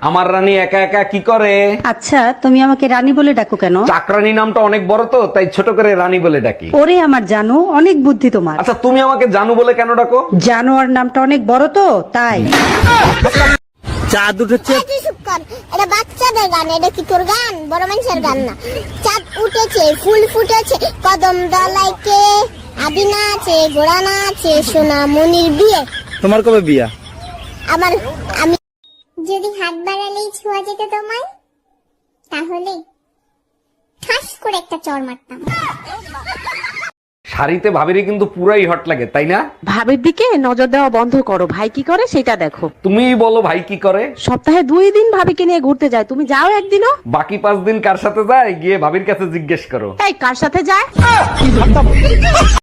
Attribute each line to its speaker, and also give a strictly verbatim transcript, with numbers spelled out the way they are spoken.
Speaker 1: আমার রানী একা একা কি করে?
Speaker 2: আচ্ছা তুমি আমাকে রানী বলে ডাকো কেন?
Speaker 1: চাকরানী নামটা অনেক বড় তো, তাই ছোট করে রানী বলে ডাকি।
Speaker 2: ওরে আমার জানো, অনেক বুদ্ধি তোমার।
Speaker 1: আচ্ছা তুমি আমাকে জানু বলে কেন ডাকো?
Speaker 2: জানোয়ার নামটা অনেক বড় তো তাই।
Speaker 3: চাঁদ উঠেছে।
Speaker 4: চুপ কর, এটা বাচ্চাদের গান, এটা কি তোর গান? বড় মানুষের গান না। চাঁদ উঠেছে, ফুল ফুটেছে, কদম দলাইকে আদিনা আছে, ঘোড়া না আছে, সোনা মনির বিয়ে।
Speaker 3: তোমার কবে বিয়া?
Speaker 4: আমার আমি যদি হাত বাড়ালেই ছোঁয়া যেত তোমায়, তাহলে ঠাস করে একটা চড় মারতাম।
Speaker 1: শাড়িতে ভাবিরে কিন্তু পুরাই হট লাগে, তাই না?
Speaker 5: ভাবির দিকে নজর দেওয়া বন্ধ করো, ভাই কি করে সেটা দেখো।
Speaker 1: তুমিই বলো ভাই কি করে?
Speaker 5: সপ্তাহে দুই দিন ভাবিকে নিয়ে ঘুরতে যায়, তুমি যাও একদিনও?
Speaker 1: বাকি পাঁচ দিন কার সাথে যায় গিয়ে ভাবির কাছে জিজ্ঞেস করো।
Speaker 5: এই কার সাথে যায়?